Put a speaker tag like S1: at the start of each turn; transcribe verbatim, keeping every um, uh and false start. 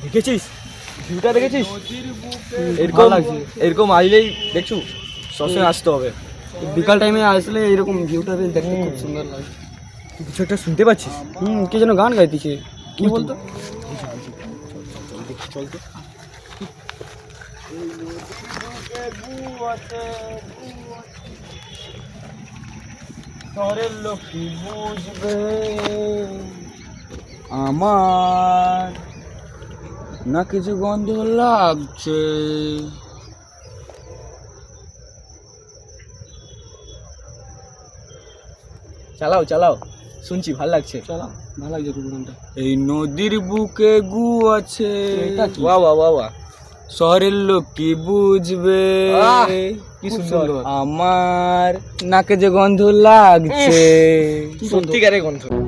S1: দেখেছিস ভিউটা দেখেছিস? এরকম এরকম আসলেই দেখছু সবসময় আসতে হবে।
S2: বিকাল টাইমে আসলে এরকম ভিউটা বেশ দেখতে খুব সুন্দর লাগে।
S1: কিছু একটা শুনতে পাচ্ছিস?
S2: হুম, কে যেন গান গাইতেছে, কি বলতো?
S1: চল তো। শহরের লোক কি বুঝবে
S2: আমার না কিছু গন্ধ লাগছে।
S1: চালাও চালাও, শুনছি ভাল লাগছে।
S2: চলো, ভালো লাগছে খুব গানটা।
S3: এই নদীর বুকে গু আছে,
S2: এটা কি?
S1: বাহ বাহ বাহ বাহ,
S3: শহরের লোক কি বুঝবে,
S1: আহ, কি
S2: খুব
S1: সুন্দর।
S2: সুন্দর।
S3: আমার নাকে যে গন্ধ লাগছে।
S2: কি গন্ধ?
S1: সত্যিকারের গন্ধ।